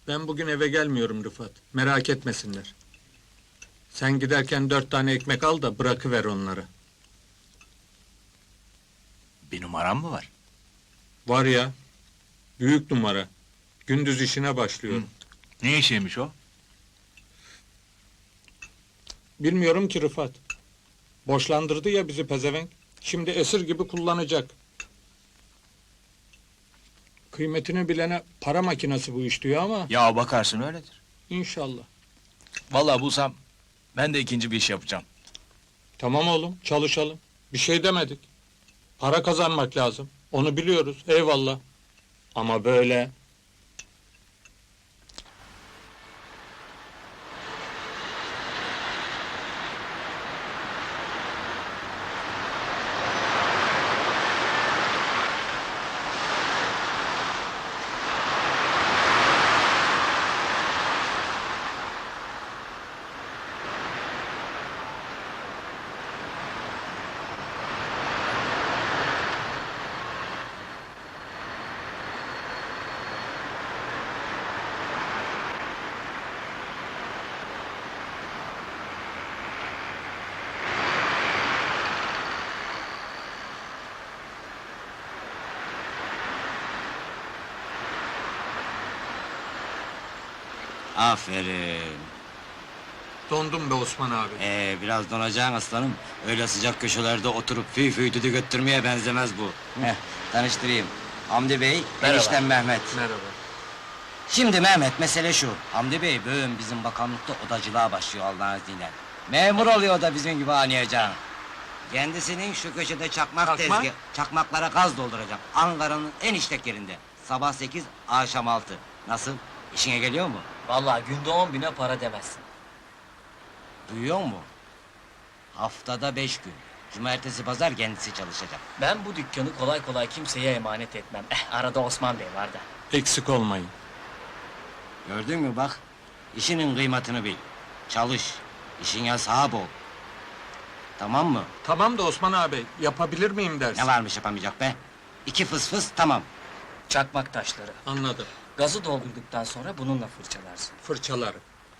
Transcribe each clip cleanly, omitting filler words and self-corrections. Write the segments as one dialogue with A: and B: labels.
A: Ben bugün eve gelmiyorum Rıfat. Merak etmesinler. Sen giderken 4 tane ekmek al da bırakıver onları.
B: Bir numaram mı var?
A: Var ya, büyük numara. Gündüz işine başlıyorum.
B: Ne işiymiş o?
A: Bilmiyorum ki Rıfat. Boşlandırdı ya bizi pezevenk. Şimdi esir gibi kullanacak. Kıymetini bilene para makinesi bu iş diyor ama
B: Ya bakarsın öyledir.
A: inşallah.
B: Vallahi bulsam ben de ikinci bir iş yapacağım.
A: Tamam oğlum, çalışalım. Bir şey demedik. Para kazanmak lazım. Onu biliyoruz, eyvallah. Ama böyle...
C: Aferin.
A: Dondum be Osman abi.
C: Biraz donacaksın aslanım. Öyle sıcak köşelerde oturup fıy fıy düdük öttürmeye benzemez bu. Tanıştırayım. Hamdi Bey,
B: Merhaba.
C: eniştem Mehmet.
A: Merhaba.
C: Şimdi Mehmet, mesele şu. Hamdi Bey, bugün bizim bakanlıkta odacılığa başlıyor Allah'ın izniyle. Memur oluyor da bizim gibi anlayacağım. Kendisinin şu köşede çakmak tezgahı, çakmaklara gaz dolduracak. Ankara'nın en işlek yerinde. Sabah 8, akşam 6. Nasıl? İşine geliyor mu?
D: Vallahi günde 10.000'e para demezsin.
C: Duyuyor mu? Haftada 5 gün. Cumartesi pazar kendisi çalışacak.
D: Ben bu dükkanı kolay kolay kimseye emanet etmem. Arada Osman Bey var da.
A: Eksik olmayın.
C: Gördün mü bak? İşinin kıymetini bil. Çalış. İşine sahip ol. Tamam mı?
A: Tamam da Osman abi, yapabilir miyim dersin?
C: Ne varmış yapamayacak be? 2 fıs fıs tamam.
D: Çakmak taşları.
A: Anladım.
D: Gazı doldurduktan sonra bununla fırçalarsın.
A: Fırçalarım.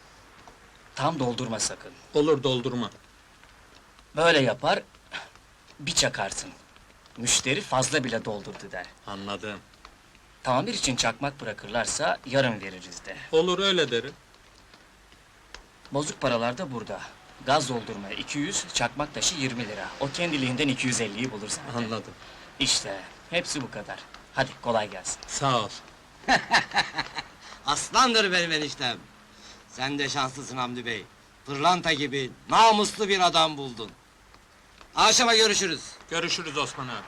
D: Tam doldurma sakın.
A: Olur doldurma.
D: Böyle yapar, bir çakarsın. Müşteri fazla bile doldurdu der.
A: Anladım.
D: Tamir için çakmak bırakırlarsa yarın veririz de.
A: Olur öyle derim.
D: Bozuk paralar da burada. Gaz doldurmaya 200, çakmak taşı 20 lira. O kendiliğinden 250'yi bulur zaten.
A: Anladım.
D: İşte, hepsi bu kadar. Hadi kolay gelsin.
A: Sağ ol.
C: Aslandır benim eniştem. Sen de şanslısın Hamdi Bey. Pırlanta gibi namuslu bir adam buldun. Akşama görüşürüz.
A: Görüşürüz Osman abi.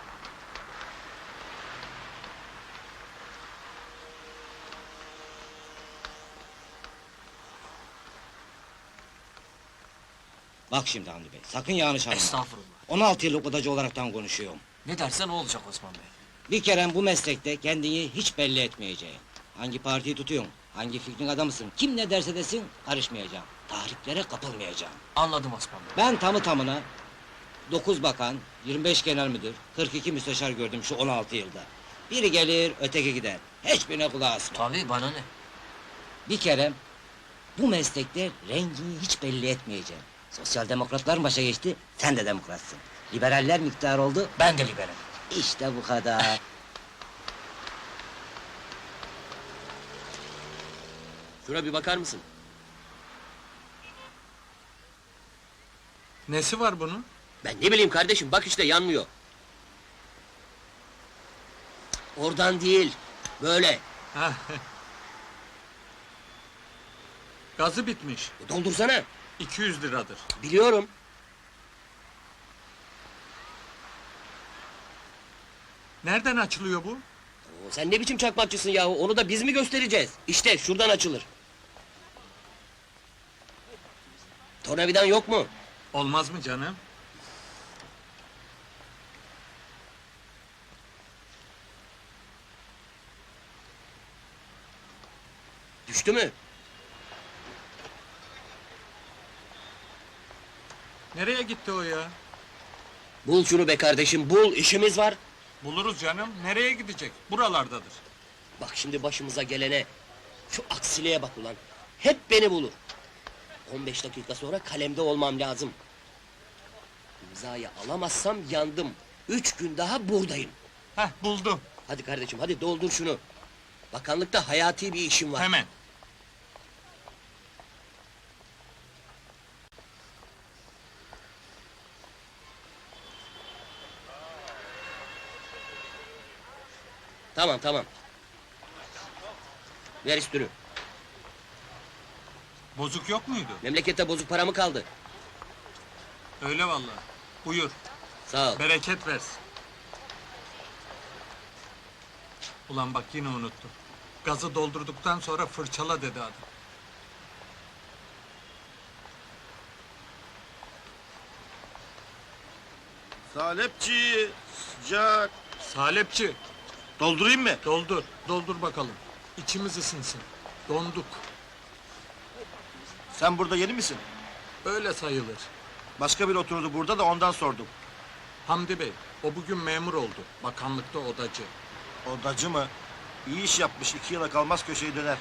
C: Bak şimdi Hamdi Bey, sakın yanlış anlama.
D: Estağfurullah.
C: 16 yıllık odacı olaraktan konuşuyorum.
D: Ne dersen o olacak Osman Bey.
C: Bir kere bu meslekte kendini hiç belli etmeyeceğim. Hangi partiyi tutuyorsun, hangi fikrin adamısın, kim ne derse desin karışmayacağım. Tahriklere kapılmayacağım.
D: Anladım Osman Bey.
C: Ben tamı tamına 9 bakan, 25 genel müdür, 42 müsteşar gördüm şu 16 yılda. Biri gelir, öteki gider. Hiçbirine kulağı asma.
D: Tabii bana ne?
C: Bir kere bu meslekte rengini hiç belli etmeyeceğim. Sosyal demokratlar başa geçti, sen de demokratsın. Liberaller miktar oldu,
D: Ben de liberim.
C: işte bu kadar.
E: Şuna bir bakar mısın?
A: Nesi var bunun?
E: Ben ne bileyim kardeşim, bak işte yanmıyor. Oradan değil, böyle.
A: Hah. Gazı bitmiş.
E: Doldursana.
A: 200 liradır.
E: Biliyorum.
A: Nereden açılıyor bu?
E: Oo, sen ne biçim çakmakçısın yahu, onu da biz mi göstereceğiz? İşte şuradan açılır. Tornavidan yok mu?
A: Olmaz mı canım?
E: Düştü mü?
A: Nereye gitti o ya?
E: Bul şunu be kardeşim, bul, işimiz var.
A: Buluruz canım. Nereye gidecek? Buralardadır.
E: Bak şimdi başımıza gelene. Şu aksiliğe bak ulan. Hep beni bulur. 15 dakika sonra kalemde olmam lazım. İmzayı alamazsam yandım. 3 gün daha buradayım.
A: Heh, buldum.
E: Hadi kardeşim, hadi doldur şunu. Bakanlıkta hayati bir işim var.
A: Hemen.
E: Tamam, tamam. Ver üstünü.
A: Bozuk yok muydu?
E: Memlekette bozuk para mı kaldı?
A: Öyle vallahi. Buyur.
E: Sağ ol.
A: Bereket versin. Ulan bak yine unuttum. Gazı doldurduktan sonra fırçala dedi adam.
F: Salepçi, sıcak.
A: Salepçi,
F: Doldurayım mı?
A: doldur. Doldur bakalım. İçimiz ısınsın. Donduk.
F: Sen burada yeni misin?
A: Öyle sayılır.
F: Başka biri oturdu burada da ondan sordum.
A: Hamdi Bey, o bugün memur oldu. Bakanlıkta odacı.
F: Odacı mı? İyi iş yapmış, 2 yıla kalmaz köşeyi döner.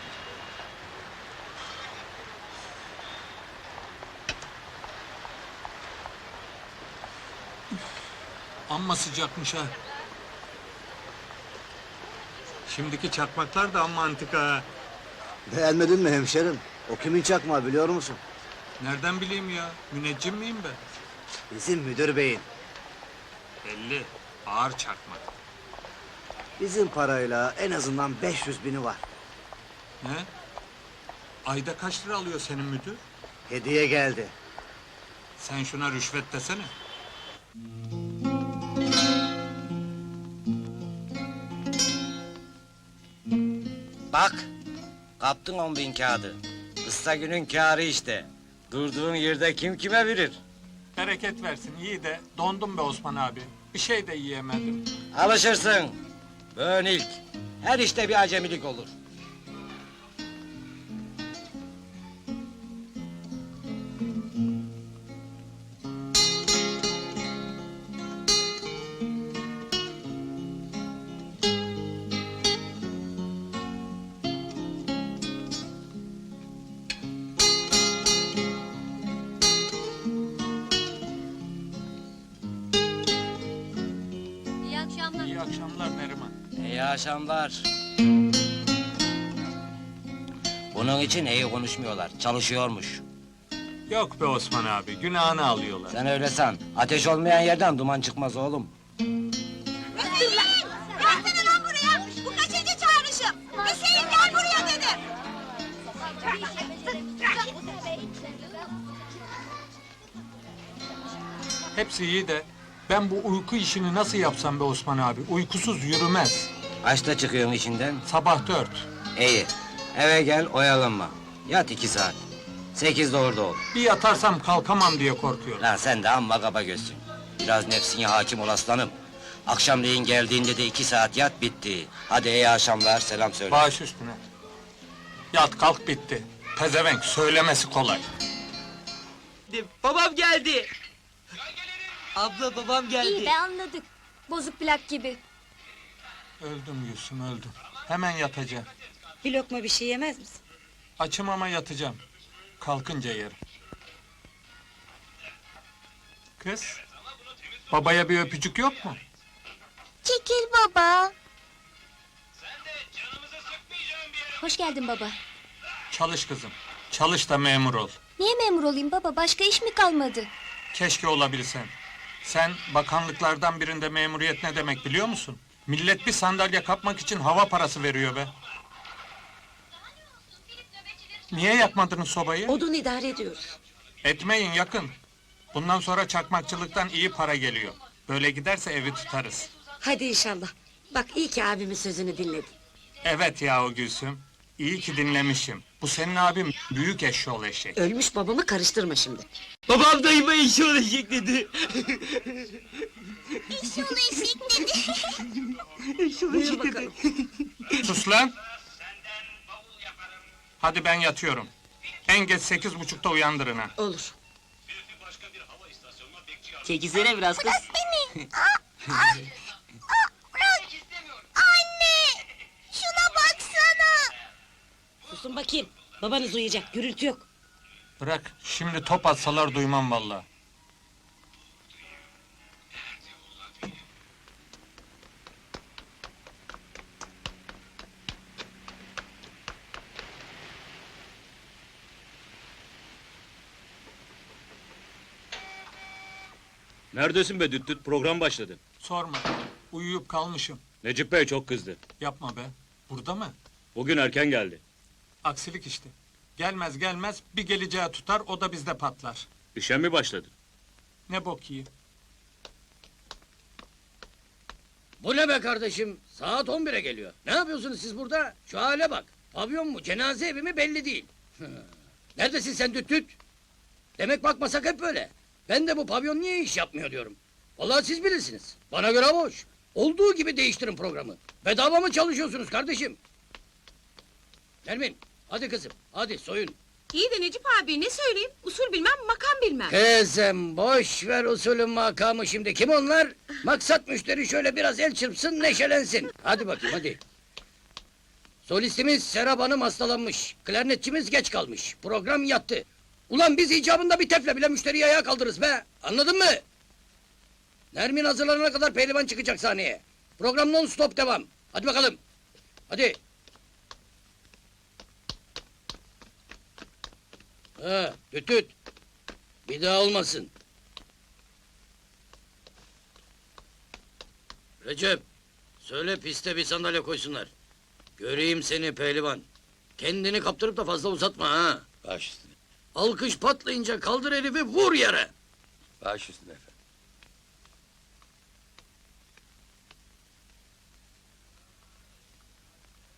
A: Amma sıcakmış ha. Şimdiki çakmaklar da amma antika ha.
G: Beğenmedin mi hemşerim? O kimin çakmağı biliyor musun?
A: Nereden bileyim ya? Müneccim miyim ben?
G: Bizim müdür beyin.
A: Belli. Ağır çakmak.
G: Bizim parayla en azından 500 bini var.
A: Ne? Ayda kaç lira alıyor senin müdür?
G: Hediye geldi.
A: Sen şuna rüşvet desene.
C: Bak, kaptın 10.000 kağıdı. Kısa günün kârı işte. Durduğun yerde kim kime verir?
A: Bereket versin. İyi de dondum be Osman abi. Bir şey de yiyemedim.
C: Alışırsın. Bugün ilk. Her işte bir acemilik olur.
H: İyi akşamlar.
A: İyi akşamlar Neriman.
C: İyi akşamlar. Bunun için iyi konuşmuyorlar. Çalışıyormuş.
A: Yok be Osman abi. Günahını alıyorlar.
C: Sen öyle san. Ateş olmayan yerden duman çıkmaz oğlum.
H: Dur lan! Gelsene lan buraya! Bu kaçıncı çağrışım? Hüseyin gel buraya dedim!
A: Hepsi iyi de ben bu uyku işini nasıl yapsam be Osman abi? Uykusuz yürümez.
C: Kaçta çıkıyorsun içinden?
A: Sabah 4.
C: İyi. Eve gel oyalanma. Yat 2 saat. 8'de orada ol.
A: Bir yatarsam kalkamam diye korkuyorum.
C: Lan sen de amma kaba gözsün. Biraz nefsine hakim ol aslanım. Akşamleyin geldiğinde de 2 saat yat bitti. Hadi iyi akşamlar selam söyle.
A: Baş üstüne. Yat kalk bitti. Pezevenk söylemesi kolay.
I: Babam geldi. Abla babam geldi.
H: İyi be anladık. Bozuk plak gibi.
A: Öldüm Gülsüm öldüm. Hemen yatacağım.
J: Bir lokma bir şey yemez misin?
A: Açım ama yatacağım. Kalkınca yerim. Kız, babaya bir öpücük yok mu?
H: Çekil baba. Hoş geldin baba.
A: Çalış kızım. Çalış da memur ol.
H: Niye memur olayım baba? Başka iş mi kalmadı?
A: Keşke olabilsen. Sen bakanlıklardan birinde memuriyet ne demek biliyor musun? Millet bir sandalye kapmak için hava parası veriyor be. Niye yakmadınız sobayı?
J: Odun idare ediyoruz.
A: Etmeyin yakın. Bundan sonra çakmakçılıktan iyi para geliyor. Böyle giderse evi tutarız.
J: Hadi inşallah. Bak iyi ki abimin sözünü dinledin.
A: Evet yahu Gülsüm. İyi ki dinlemişim. Bu senin abim büyük eşşoğlu eşek.
J: Ölmüş babamı karıştırma şimdi.
I: Babam dayıma işi olacak dedi.
H: İnşallah eşek dedi.
J: Buyur bakalım.
A: Sus lan! Hadi ben yatıyorum. En geç 8.30'da uyandırın ha.
J: Olur.
I: Çekilsene biraz kız.
H: Beni. Bırak. Anne. Şuna baksana.
J: susun bakayım. Babanız uyuyacak, gürültü yok.
A: Bırak, şimdi top atsalar duymam vallahi.
K: Neredesin be düt düt? Program başladı.
A: Sorma, uyuyup kalmışım.
K: Necip Bey çok kızdı.
A: Yapma be, burada mı?
K: Bugün erken geldi.
A: Aksilik işte. Gelmez gelmez bir geleceği tutar, o da bizde patlar.
K: İşe mi başladı?
A: Ne bok yiyeyim.
L: Bu ne be kardeşim? Saat 11'e geliyor. Ne yapıyorsunuz siz burada? Şu hale bak. Pavyon mu, cenaze evi mi belli değil. Neredesin sen düt düt? Demek bakmasak hep böyle. Ben de bu pavyon niye iş yapmıyor diyorum. Vallahi siz bilirsiniz. Bana göre boş. Olduğu gibi değiştirin programı. Bedava mı çalışıyorsunuz kardeşim? Nermin, hadi kızım, hadi soyun.
H: İyi de Necip abi ne söyleyeyim? Usul bilmem, makam bilmem.
L: Kızım, boş ver usulün makamı şimdi. Kim onlar? Maksat müşteri şöyle biraz el çırpsın, neşelensin. Hadi bakayım, hadi. Solistimiz Serap Hanım hastalanmış. Klarnetçimiz geç kalmış. Program yattı. Ulan biz icabında bir tefle bile müşteriyi ayağa kaldırırız be. Anladın mı? Nermin hazırlanana kadar pehlivan çıkacak sahneye. Program non stop devam. Hadi bakalım. Hadi. Ha, düt düt. Bir daha olmasın. Recep, söyle piste bir sandalye koysunlar. Göreyim seni pehlivan. Kendini kaptırıp da fazla uzatma ha.
B: Baş üstüne.
L: Alkış patlayınca kaldır herifi vur yere.
B: Baş üstüne efendim.